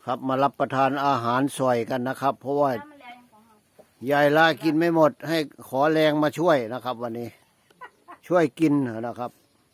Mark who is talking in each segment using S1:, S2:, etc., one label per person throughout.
S1: ครับมารับประทานอาหารสวยกันนะครับ เพราะว่า
S2: น้ำมันแรงของเรา
S1: ยายล่ากินไม่หมดให้ขอแรงมาช่วยนะครับ วันนี้ ช่วยกินนะครับ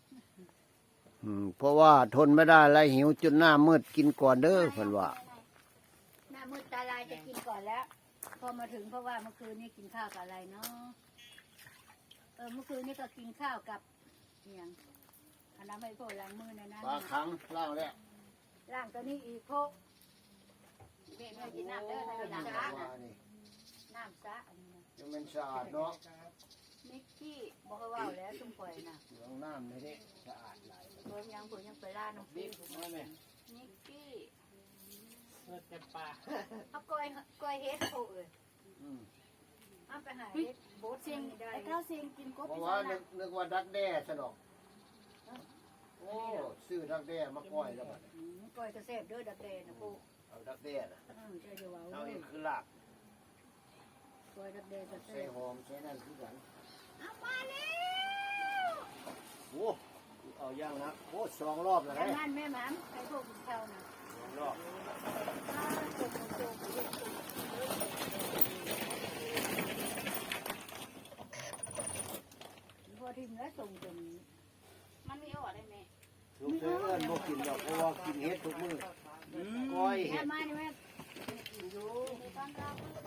S1: เพราะว่าทนไม่ได้แล้วหิวจนหน้ามืดกินก่อนเด้อเพิ่นว่า
S2: หน้ามืดตาลายจะกินก่อนแล้ว พอมาถึงเพราะว่าเมื่อคืนนี้กินข้าวกับอะไรเนาะเมื่อคืนนี้ก็กินข้าวกับอย่างอันนั้นไม่พอล้างมือนะนะ
S1: ปลาคังล่างแล้ว
S2: ล้างตัวนี้อีกพกเด็กไม่กินน้ำเด้อถ้าเป็นน้ำสะน้ำสะอันนี้นะ
S1: ยังเป็นสะอาดเนาะ
S2: นิกกี้บอกว่าว่าวแล้วจุ่มปล่อยนะ
S1: เหลืองน้ำนี่ดิสะอาดหลาย
S2: เพิ่มยังผมยังไปล่าน้องพี่นิกกี้
S3: เลือดเต็มปาก
S2: เอาก้อยเฮ็ดโผล่เลยเอาไปหาเฮ็ดโบ๊ทเซียงได้ไอ้ข้าวเซียงกินกบ
S1: เพ
S2: ไป
S1: ราะ
S2: ซะ
S1: ว่า
S2: นะ
S1: นึกว่าดักแด้ซะดอกโอ้ซื้อดักแด้มาก้อยแล้วบัดนี้
S2: ก้อยกระเซบด้วยดับเดนนะพวก
S1: เอาดักแด้น่ะ
S2: ใช่เดี๋ยวเอา
S1: เอาอีกคือลาบ
S2: ก้อยดับเดนกระเซ
S1: ใส่
S2: บ
S1: หอมใส่นั่นคือกัน
S2: เอามาแล้ว
S1: โอ้เอาย่างนะโอ้2 รอบแล้ว
S2: ทาง
S1: นะ
S2: นั้นแม่หมามไอ้พวกกินข้าวนะ
S1: 2 รอบ
S2: พอทิ้งแล้วส่งจน
S4: มันมีออกได้ไหม
S1: ลูกเสือเอิ้นบ่กินดอกเพราะว่ากินเฮ็ดทุกมื้อก้อย
S2: แม่
S1: เฮ็ด
S2: มานี่แม่อยู่
S4: ต้อนรับ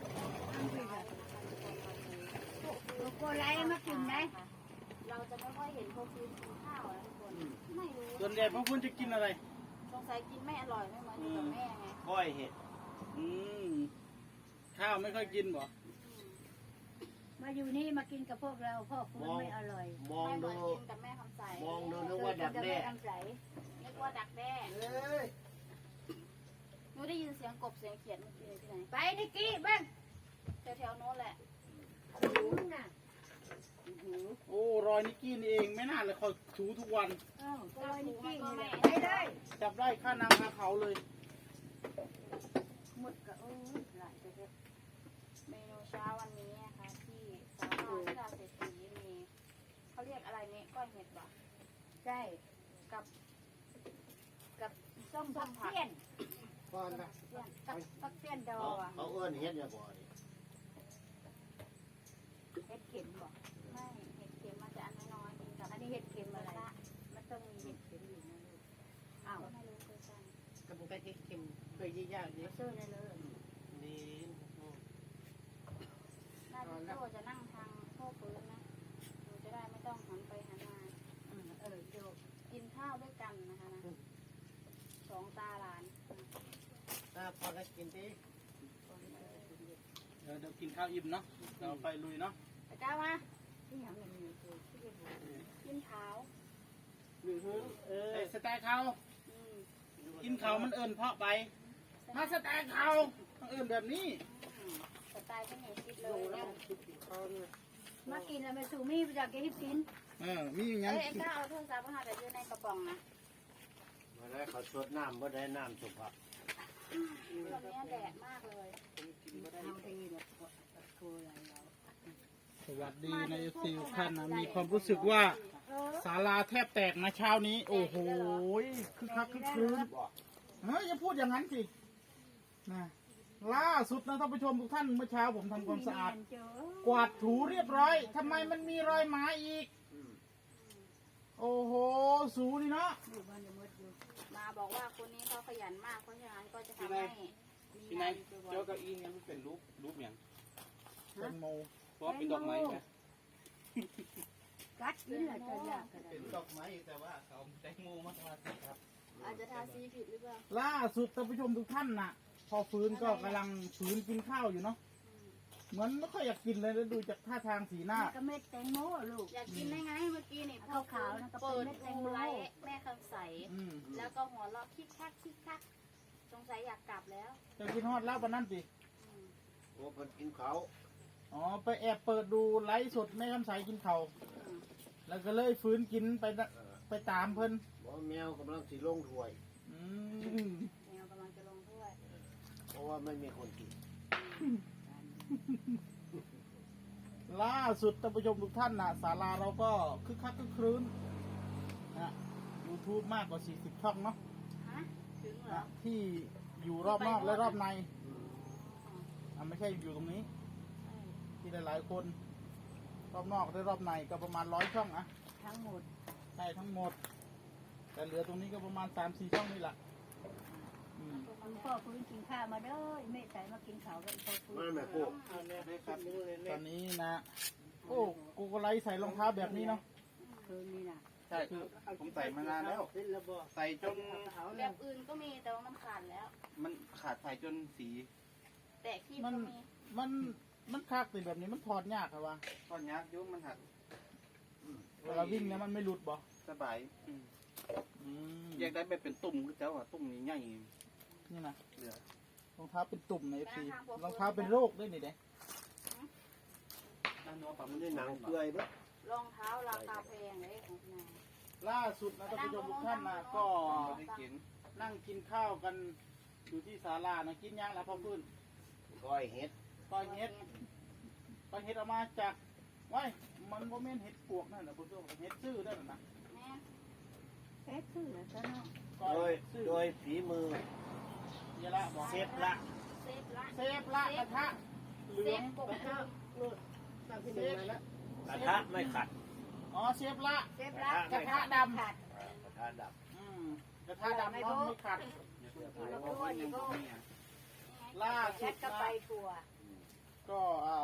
S2: ลูกโกไลมากินไหม
S4: เราจะไม่ค่อยเห็นพวกซื้อกินข้าวนะทุกคนไม่รู้
S3: ส่วนใหญ่พวกคุณจะกินอะไร
S4: สงสัยกินไม่อร่อยไม่เหมือนอยู่กับแม่ไง
S1: ก้อยเฮ็ด
S3: อืมข้าวไม่ค่อยกินบ่
S2: มาอยู่นี่มากินกับพวกเราพ่อคุณไม่อร่อย
S1: มอง
S4: ไม่เหมื
S1: ดู
S4: อนกินกับแม่คำใส
S1: มองดูนึกว่าดักแด้
S2: ทำใส
S4: นึกว่าดักแด้
S1: เอ้ย
S4: หนูได้ยินเสียงกบเสียงเขียดเมื่อกี้ที่ไหน
S2: ไปนิกกี้บ้าง
S4: แถวๆโน้นแหละ
S2: คุณน่ะ
S3: โอ้รอยนิกกี้นี่เองไม่น่าเลยคอยถูทุกวัน
S2: โกไลนิกกี้นี่แหละไปเลย
S3: จับได้ค่านางคาเขาเลย
S2: หมดก็หลายไปเลย
S4: เมนูเช้าวันนี้นะคะที่สาลาที่ราเศรษฐีมีเขาเรียกอะไรนี่ก้อยเห็ดบ่
S2: ใช่
S4: กับ
S2: กับส้มผักเปี้ยน
S1: ก่อนนะ
S2: กับผักเปี้ยนดอ
S1: เขา
S2: ง
S1: เอิ้นเฮ็ดอย่าบ่นี่
S2: เห็ดเข็มบอก
S4: ไม่เห็ดเค็มมันจะอันน้อยๆกินกับ
S2: อันนี้เห็ดเข็มอะไรมันต้องมีเห็ดเข็มอยู่นะลูกอ้าว
S4: ก็ไม่รู้เคยกัน
S3: กระปุกกะทิเค็มเคยยี่ยากดี
S2: มาซื้อได้เลย
S3: ดี
S4: น่าจะโตจะนั่งทางโต๊ะปืนนะหนูจะได้ไม่ต้องหันไปหันมา
S2: โจ
S4: กินข้าวด้วยกันนะคะนะสองตาหลาน
S3: ถ้าพอได้กินดิเดี๋ยวกินข้าวอิ่มเนาะเราไปลุยเนาะ
S4: ตะก้ามา
S2: ที่อย่างนี้คือที่เป็น
S4: กินขาว
S3: ไอ้สแต็กเขา
S4: อืม
S3: กินเขามันเอิญเพาะไปมาสแต็กเขาต้องเอิญแบบนี้
S4: สไตล์ก็เหนียวคิดเลยเนี่ย
S2: มากินแล้วไม่สูมีไปจากให้กิน
S3: มีอย่าง
S4: เอ้
S3: งั้น
S4: ยไอ้ก้าเอาโทรศัพท์มาหาแต่อยู่ในกระป๋องนะ
S1: มาได้เขาสดน้ำบ่ได้น้ำสุภาพ
S4: ตอนนี้แดดมากเลย
S2: เอาดีแบบโคอะไรเรา
S3: สวัสดีในซีท่านนะมีความรู้สึกว่าศาลาแทบแตกนะเช้านี้ โอ้โหคึกคักคึกคืนเฮ้ยอย่าพูดอย่างนั้นสินะล่าสุดนะท่านผู้ชมทุกท่านเมื่อเช้าผมทำความสะอาด กวาดถูเรียบร้อยทำไมมันมีรอยหมาอีก โอ้โห สูนี่เนาะ
S2: อยู่บ้านเดี๋ยวมดอยู่
S4: มาบอกว่าคนนี้เขาขยันมากเพราะฉะนั้นก็จะทำให้มี
S3: พี่
S4: งาน
S3: นาย
S4: อยู่บ่อ
S3: เจ้าย เก้าอี้เนี่ยมันเป็นรูปอย่างแตงโมเพ
S2: เพ
S3: ราะ
S2: ราะ
S3: เป็นดอกไม้ไง
S2: กัดกินแหละจะยากกัน
S3: เป็นดอกไม้แต่ว่าเขาแตงโมมาสิครับ
S4: อาจจะทาสีผิดหรือเปล่า
S3: ล่าสุดท่านผู้ชมทุกท่านน่ะ พอฟื้นก็กำลังฟื้นกินข้าวอยู่เนาะเหมือนไม่ค่อยอยากกินเลยแล้วดูจากท่าทางสีหน้า
S2: ก็เม็ดแตงโมลูก
S4: อยากกินได้ไงเมื่อกี้นี่
S2: ขาวๆนะก็เป็น
S4: เปิด
S2: เม็ดแตง
S4: ดู
S2: โม
S4: ไลฟ์แม่คำใส
S3: อืม
S4: แล้วก็หัวเราะคิกคักคิกคักสงสัยอยากกลับแล้ว
S3: จะกินฮอดแล้ววันนั้นสิ
S1: โอ้เพิ่นกินเขาว
S3: อ๋อไปแอบเปิดดูไลฟ์สดแม่คำใสกินเขาวแล้วก็เลยฟื้นกินไปตามเพิ่น
S1: บ่แมวกำลังสิลงถ้วย
S3: อืม
S4: แมวกำลังจะลงถ้วย
S1: เพราะว่าไม่มีคนกิน
S3: ล่าสุดท่านผู้ชมทุกท่านน่ะศาลาเราก็คึกคักคึกครื้นนะ YouTube มากกว่า40ช่องเนาะ
S4: ฮะถึงเหรอ
S3: ที่อยู่รอบนอกและรอบในไม่ใช่อยู่ตรงนี้ ที่หลายๆคนรอบนอกและรอบในก็ประมาณ100 ช่องอะ
S2: ทั้งหมด
S3: ใช่ทั้งหมด แต่เหลือตรงนี้ก็ประมาณ3-4 ช่องนี่แหละอืม
S2: คุณพ่อฟื้นกินข้าวมาเด้อแม่ใส่มากินข้าวกับพ่อฟื้น
S1: มาแม่ปุ๊
S3: ตอนนี้นะ โอ้กูก็ไลใส่รองเท้าแบบนี้เนาะ
S2: คืนนี้น่ะ
S5: ใช่ผมใส่มานานแล้ว ใส่จน
S4: แบบอื่นก็มีแต่ว่ามันขาดแล้ว
S5: มันขาดใส่จนสี
S4: แต่คีบ
S3: มัน
S4: ก็มี
S3: มันคักติแบบนี้มันถอดยากครับว่า
S5: ตอนยักยุ่งมันหัก
S3: เวลาวิ่งเนี่ยมันไม่หลุดบ่
S5: สบาย
S3: อืม
S5: อยากได้แบบเป็นตุ่มคือเจ้าอ่ะตุ่มใหญ่
S3: นี่นะ
S5: ๆเหลือ
S3: รองเท้าเป็นตุ่มในFC รองเท้าเป็นโรคด้วยนี่เด้
S5: ด้านโน้นปรับ
S1: มันได้หนังเปื่อยเบ้อ
S4: รองเท้าราคาแพงเลยของนาย
S3: ล่าสุดนะท่านผู้ชมทุกท่านนะก็
S5: ไม่ได้กิน
S3: นั่งกินข้าวกันอยู่ที่ศาลานะกินย่างแล้วพ่อพื้น
S1: ก้อยเห็ด
S3: ก้อยเห็ดก้อยเห็ดเอามาจากไว้มันโมเมนเห็ดปวกนั่นนะผู้ชมเห็ดซื่อนั่นนะ
S4: แม่
S2: เอ๊ะคืออะไรซะเนาะ
S3: ก้อ
S1: โด
S3: ย
S1: ย
S3: ซื่อ
S1: โดยฝีมือ
S3: เยอะละบอก
S1: เซฟละ
S4: เซฟละ
S3: เซฟละกระทะเหลื
S4: เซ
S3: อง
S4: ฟกบเพิ่ม
S3: เซฟละ
S1: กระทะไม่ขัด
S3: อ๋อเซฟละ
S2: เซฟละ
S3: กระทะดำ
S2: ขาด
S1: กระทะดับ
S3: อืมกระทะดำเนาะไม่ขัด
S2: แล้วก็ว่าอย่างก็
S3: ล่า
S2: แค
S3: สุด
S2: ทก็
S3: นะ
S2: ไปทัวร์
S3: ก็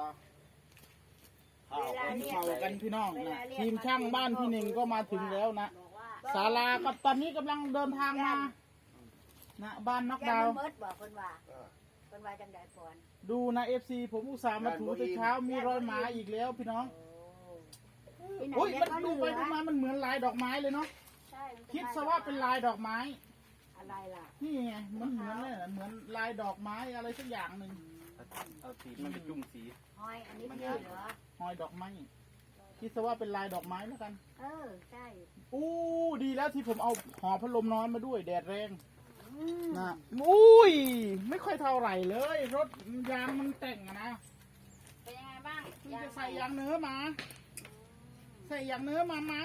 S1: ข้าว
S2: เวลา
S3: กินเผากันพี่น้องนะทีมช่างบ้านพี่หนึ่งก็มาถึงแล้วนะ
S4: บอกว่า
S3: ศาลาก็ตอนนี้กำลังเดินทางมานะบ้านนอก
S2: ยั
S3: ดางว
S2: มันเมิดบอกคนว่าคนว่าจังไดฝน
S3: ดูนะFC ผมอุตส่าห์มาถูแต่เช้ามีรอยหมาอีกแล้วพี่น้อง
S2: ที่ไหน
S3: โอ้ย
S2: เนี่ย
S3: มัน
S2: เขา
S3: ดู
S2: เห
S3: ไป
S2: ลือ
S3: ดูมามันเหมือนลายดอกไม้เลยเนาะ
S4: ใช่มัน
S3: คิดซะว่าเป็นลายดอกไม้
S2: อะไรล่ะ
S3: นี่ไงมันเหมือนเลยเหมือนลายดอกไม้อะไรสักอย่างหนึ่ง
S5: เอาสีมันเป็นจุ่มสี
S2: หอยอันนี้คือเหรอ
S3: หอยดอกไม้คิดซะว่าเป็นลายดอกไม้แล้วกัน
S2: เออใช่
S3: อู้ดีแล้วที่ผมเอาหอพัดลมน้อยมาด้วยแดดแรง
S2: อืม
S3: นะอุ้ยไม่ค่อยเท่าไหร่เลย รถยางมันแต่งอะนะ
S4: เป็นยังไงบ้าง
S3: คุณจะใส่ยางเนื้อมา ใส่ยางเนื้อมาไหม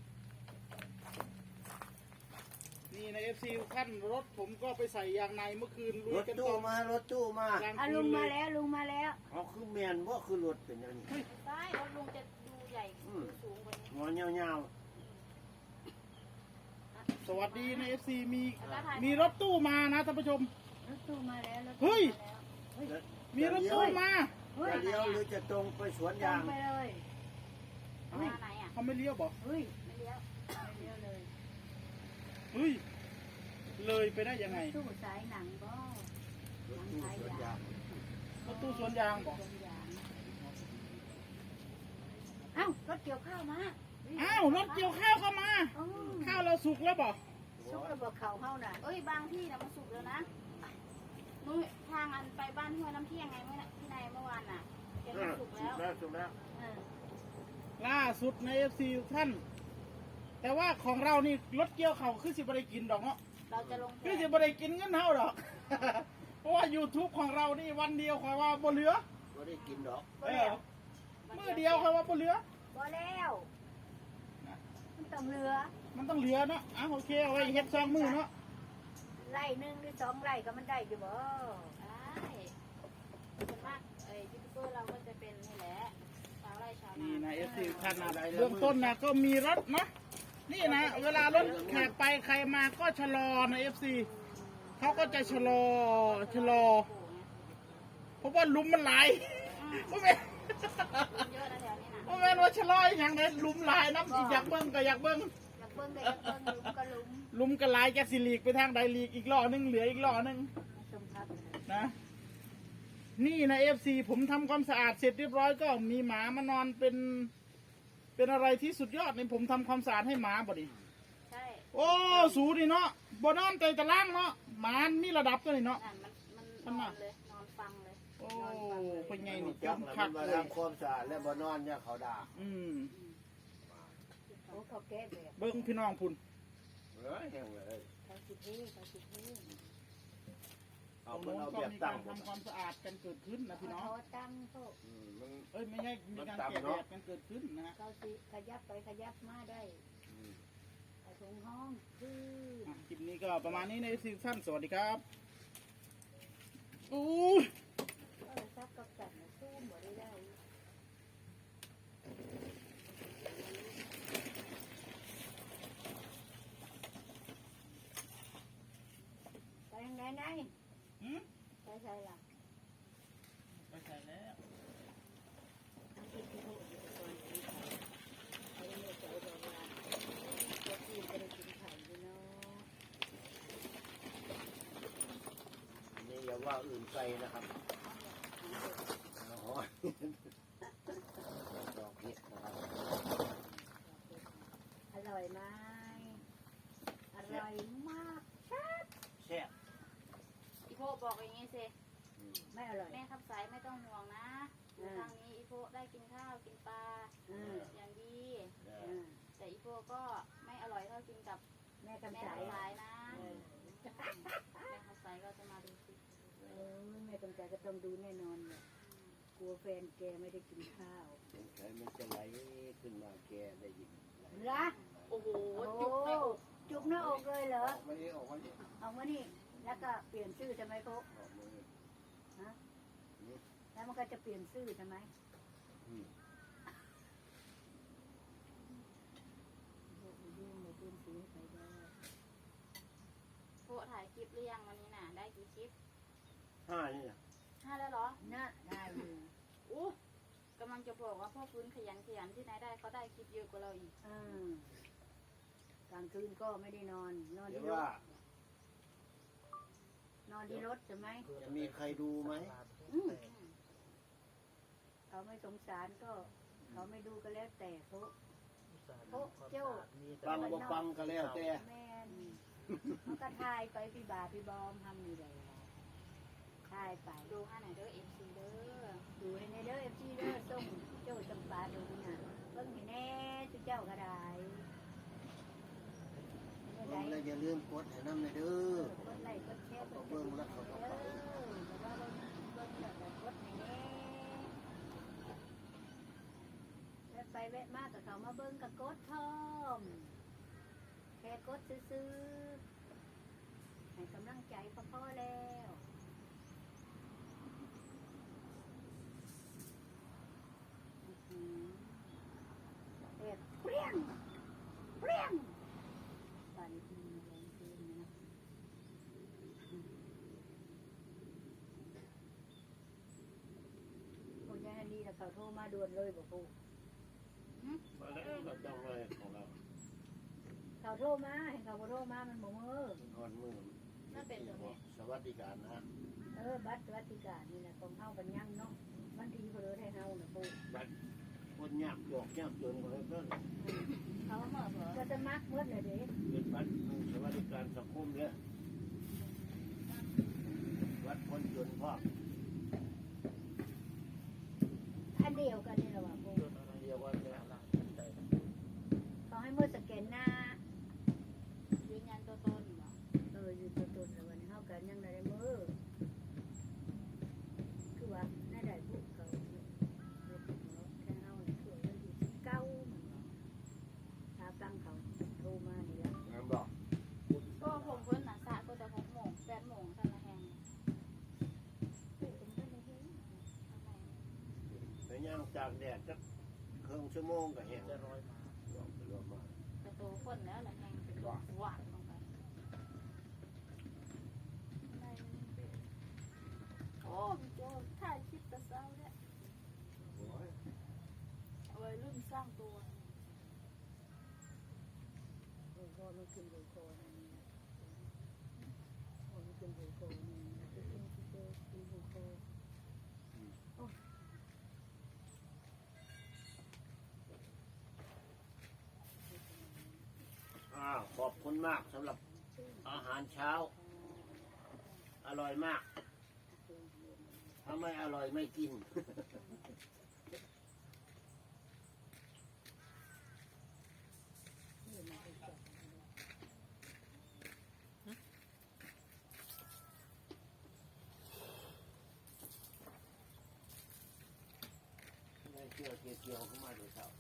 S3: นี่ใน FC ขั้นรถผมก็ไปใส่ยางในเมื่อคืนลุ
S1: ร
S3: ย
S1: ถ
S3: กัน
S1: ตู้
S3: ต่อ
S1: มารถตู้มา
S3: กลาง
S2: อ่ะ
S3: คื
S2: ลุ
S3: น
S2: ง
S3: เล
S2: มาย แล้วลุงมาแล้ว
S1: เอาคือแมนว่าคือรถเป็นอย่างนี้
S4: ใช่รถลุงจะดูใหญ่ดูสูงกว่านี้
S1: หัวเงา
S3: สวัสดีใน FC มีรถตู้มานะท่านผู้ชม
S2: รถตู้มาแล้วรถ
S3: เฮ้
S2: ตู้
S3: ย
S2: มาแล้ว
S1: ๆ
S3: มีรถตู้มา
S2: เฮ้ย
S1: จะเลี้ยวหรือจะตรงไปสวน
S2: ตร
S1: ยาง ง
S2: ไปเลย
S4: หน้าไหนอ่ะ
S3: เขาไม่เลี้ยวบอก
S2: เฮ้ย
S4: ไม่เลี้ยว
S2: ไปเลี้ยวเลย
S3: เฮ้ยเลยไปได้ยังไง
S2: ตู้สายหนังก็
S1: รถตู้สวนยาง
S3: รถตู้สวนยางบอก
S2: ต้นยางเอ้ารถเกี่ยวข้าวมา
S3: อ้าวรถเกี่ยวข้าวเข้ามา
S2: อ๋อ
S3: ข้าวเราสุกแล้วบอก
S2: ซุกระเบิดเขาเฮาน่ะ
S4: เอ้ยบางที่นะมันสุกแล้วนะนู้นทางอันไปบ้านห้วยน้ำเที่ยงไงเมื่อพี่นายเมื่อวานน่ะแกมันสุกแล้ว
S1: สุกแล้ว
S2: เออ
S3: ล่าสุดใน FC ท่าน แต่ว่าของเรานี่รถเกี่ยวเขาวคือสิบได้กินดอกเนาะ
S4: เราจะลง
S3: คือสิบได้กินเงินเท่าดอก เพราะว่า YouTube ของเรานี่วันเดียวคอยว่าบ่เหลือ
S1: ก็ได้กินดอก
S3: เออมือเดียวคอยว่าบ่เหลือ
S2: บ่แล้วมันต้องเรือ
S3: มันต้องเหลือเนาะอ่ะโอเคเอาไว้เฮ็ดซองมือเนาะ
S2: ไร่หนึ่งหรือสองไร่ก็มันได้อยู่บ่
S4: ได้ส่วนมากยูทูบเบอร์เราก็จะเป็นนี่แหละชาวไร่ชาวนา
S3: นี่นะ FC ท่านนะเบื้องต้นนะก็มีรถเนาะนี่นะเวลารถแขกไปใครมาก็ชะลอนะ FC เขาก็จะชะลอ เพราะว่าหลุมมันไหลายเพราะแม่
S4: เยอะนะแถวนี้นะ
S3: เพราะแม่นว่าชะลออย่างไรหลุมไหลายน้ำอยากเบิ้งก็อยากเบิ้ง
S2: อยากเบิ่งก็อยากเบิ่งหลุมก็หลุม
S3: หลุมก็ไหลายจากสิลีกไปทางใดลีกอีกล้อหนึงเหลืออีกล้อหนึง
S2: ชมครับ
S3: นะ นี่นะ FC ผมทำความสะอาดเสร็จเรียบร้อยก็มีหมามานอนเป็นอะไรที่สุดยอดในผมทำความสะอาดให้หมาบ่ดิ
S4: ใช่
S3: โอ้สูนี่เนาะบ่นอนใจตะล่างเนาะหมามีระดับตัวนี่เนาะ
S4: นั่นมันนอนเลยนอนฟังเลย
S3: โอ้เป็นไงนี่
S1: จับ
S3: จำ
S1: มั
S3: คั
S1: น
S3: ก
S1: มา
S3: เลย
S1: ทำความสะอาดและบ่นอนเนี่ยเขาด่า
S3: อืม
S2: โอ้เขาแก้แบบ
S3: เบิ้งพี่น้องพุ่น
S1: แห้งเลย
S2: เขาสิเทเขาสิเท
S3: ต
S1: เอา
S3: รง
S1: มัน
S3: โน้น
S1: เอา
S3: ก็
S1: แบบ
S3: มี
S1: ตั้
S3: กาง รทำความสะอาดกันเกิดขึ้นนะพี่น้อง
S2: เขาตั้งเขา
S1: มัน
S3: เอ้ยไม่ใช่มีการแกะแบบกันเกิดขึ้นนะฮะ
S2: เขาสิขยับไปขยับมาได้ไปถึงห้องคือ
S3: คลิปนี้ก็ประมาณนี้ในซีซั่นสวัสดีครับอู้ย
S2: ซักกับกันสู้หมดได้ไปยังไงไหน
S3: หืม
S2: ไปใช่ล่ะ
S3: ไปใส่แล้ว
S1: นี่อย่าว่าอื่นไกลนะครับอ๋อดอกเห็ดนะครับ
S2: อร่อยไหมอร่อยมาก
S1: แซ่บ
S4: อีโพบอกอย่างนี้สิ
S2: ไม่อร่อย
S4: แม่คำสายไม่ต้องห่วงนะอยู่ทางนี้อีโพได้กินข้าวกินปลาอย่างดี แต่อีโพก็ไม่อร่อยเท่ากินกับ
S2: แม่
S4: แม่
S2: กำสาย
S4: คำสายนะแม่คำสายก็จะมาดูสิ
S2: แม่กำสายก็ต้องดูแน่นอนเลยกลัวแฟนแกไม่ได้กินข้าว
S1: สงสัยมันจะไหลขึ้นมาแกได้ยินไหล
S2: ละ
S4: โอ้โห
S2: โอ้
S4: จุกในอก
S2: จุกหน้าอกเลยเหรอ
S1: ออกมานี่ออกมานี่
S2: เอามานี่ แล้วก็เปลี่ยนชื่อทำไมพก
S1: ออกมานี่
S2: ฮะ
S1: นี่
S2: แล้วมันก็จะเปลี่ยนชื่อทำไม
S1: อืม
S2: ยุ่งเลยเปลี่ยนชื่อไปได้
S4: โพถ่ายคลิปหรือยังวันนี้น่ะ ได้กี่คลิป
S1: 5นี่นะ
S4: 5แล้วเหรอ
S2: น่ะได้อยู่
S4: อู้กำลังจะบอกว่าพ่อฟื้นขยันที่ไหนได้เขาได้คลิปเยอะกว่าเราอีก
S2: กลางคืนก็ไม่ได้นอน นอน
S1: เดี๋ยว
S2: ที่ร
S1: ว่า
S2: ถ นอนที่รถใช่ไหม
S1: จะมีใครดูไหม
S2: เขาไม่สงสารก็ เขาไม่ดูก็แล้วแต่พวกเจ้า
S1: ฟังบ่ฟังก็แล้วแต่
S2: แม่นมันก็ทายไปพี่บาพี่บอมทำนี่เลยทายไป
S4: ดูให้หน่อยเด้อเอฟซีเด้อ
S2: ดูให้ในเด้อเอฟซีเด้อส่งเจ้าจำปาดูน่ะเบิ่งให้แน่ทุกเจ้าก็ได้ไม่
S1: เบิ่
S2: ได้
S1: งแล้วอย่าลืมกดให้น้ำเลยเด้อก
S2: ดไลค์กดแชร์กด
S1: เบิ่งแล้วเขาก็
S2: เด้
S1: ไป
S2: อแต่ว่าเบิ่งแล้วก็กดให้แน่แวะไปแวะมากับเขามาเบิ่งกับกดพร้อมแค่กดซื้อๆให้กำลังใจก็พอแล้วเด็ดเปรี้ยงเปรี้ยงตอนนี้กินแรงเกินนะคนยายฮันดีแต่เขาโทรมาด่วนเลยบอกกู
S1: มาแล้วเราต้องเลยของเรา
S2: เขาโทรมาเห็นเขาบ่โทรมามันบ่มือ
S1: นอนมือสวัสดิการนะ
S2: บัตรสวัสดิการนี่แหละของเฮากันยังเนาะมันดีกว่าเลยให้เฮาน่ะปู
S1: บัดคนยากจอกยากจนก็เลยเพิ่น
S4: เขาเหมื่อเผลอ
S2: ก็จะมักเมื่อเลยเด้
S1: เป็นบัตรสวัสดิการสังคมเนี่ยวัดคนจนพ่อ
S2: อันเดียวกันนี่แหละว่าปู
S1: เดียวกันเลย
S2: เขาให้มือสแกนหน้า
S4: ยืนยันตัวตนเหรอ
S2: อยู่ตัวตนแล้ววันนี้เฮากันยังได้มือคือว่าน่าได้บุกเขาแค่เฮาเนี่ยช่วยกันอยู่เก้ามันเนาะถ้าฟังเขาโทรมานี่ละ
S1: งานบอก
S4: ก็ผมเพิ่นน่ะสระก็จะ6 โมง 8 โมงท่านละแหง
S1: ไปย่างจากแดดจักครึ่งชั่วโมงก็แห้งจะร้อยมาลองไปลองมา
S4: แต่โตคนแล้วละแหงเป็นหวานลงไปโอ้พี่โจถ่ายคลิปแต่เช้าเนี่ย
S1: โอ้ย
S4: เอาไว้รุ่นสร้างตัว
S2: โอ้โหมันขึ้นโลโก้นี่นะโอ้มันขึ้นโลโก้นี่นะขึ้นโลโก้โอ้
S1: ขอบคุณมากสำหรับอาหารเช้า อร่อยมาก ถ้าไม่อร่อยไม่กิน
S2: นี่มันเป็นแบบ
S1: ไม่เชื่อเกี่ยวเข้ามาดูเช้า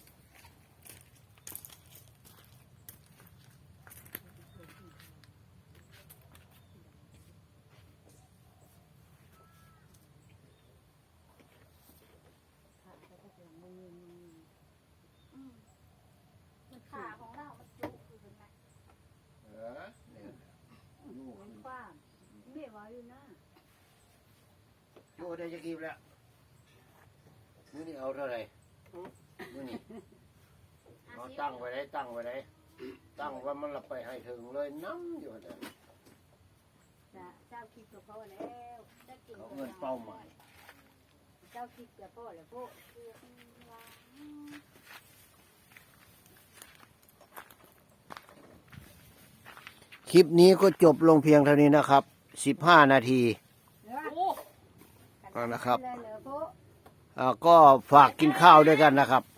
S2: เหมือนความไม่ไหวอยู่นะ
S1: โอ้ได้จะกินแล้วมื้อนี้เอาเท่าไหร่มื้อนี้เอาตั้งไว้ได้ตั้งไว้ได้ตั้งว่ามันละไปให้ถึงเลยน้ำอยู่แต่
S2: เจ้าคิดกับพ่อแล้วจะกิน
S1: เขาเงินเป้าหมาย
S2: เจ้าคิดกับพ่อแล้วพ่อ
S1: คลิปนี้ก็จบลงเพียงเท่านี้นะครับ 15 นาทีนะครับก็ฝากกินข้าวด้วยกันนะครับ